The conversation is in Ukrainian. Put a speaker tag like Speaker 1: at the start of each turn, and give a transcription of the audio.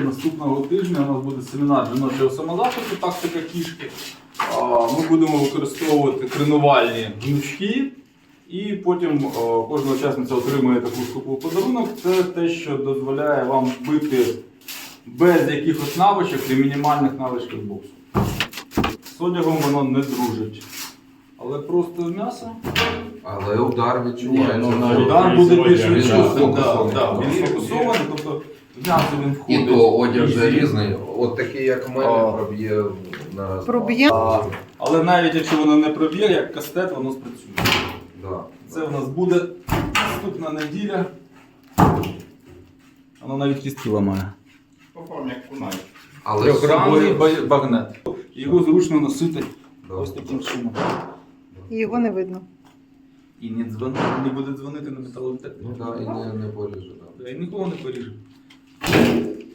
Speaker 1: наступного тижня у нас буде семінар жіночого самозахисту, тактика кішки. Ми будемо використовувати тренувальні гнучки. І потім кожна учасниця отримує таку штуку в подарунок. Це те, що дозволяє вам бити без якихось навичок і мінімальних навичок боксу. З одягом воно не дружить. Але просто м'ясо.
Speaker 2: Але удар відчувається.
Speaker 1: Удар буде більш
Speaker 2: Він
Speaker 1: відчутний.
Speaker 2: сфокусований.
Speaker 1: Він сфокусований, тобто в м'ясо він входить.
Speaker 2: І то одяг же різний. От такий, як в мене, проб'є на раз.
Speaker 3: Проб'є?
Speaker 1: Але навіть якщо воно не проб'є, як кастет, воно спрацює.
Speaker 2: Да.
Speaker 1: Це в нас буде наступна неділя. Воно навіть кістки ламає.
Speaker 4: По формі як кунай.
Speaker 2: Але з
Speaker 1: Трьохгранний
Speaker 2: собою...
Speaker 1: багнет. Його зручно носити
Speaker 2: Да.
Speaker 1: ось таким чином.
Speaker 3: І його не видно.
Speaker 1: І не буде дзвонити на металодетектор.
Speaker 2: Ну так, і не поріже. Да.
Speaker 1: І нікого не поріже.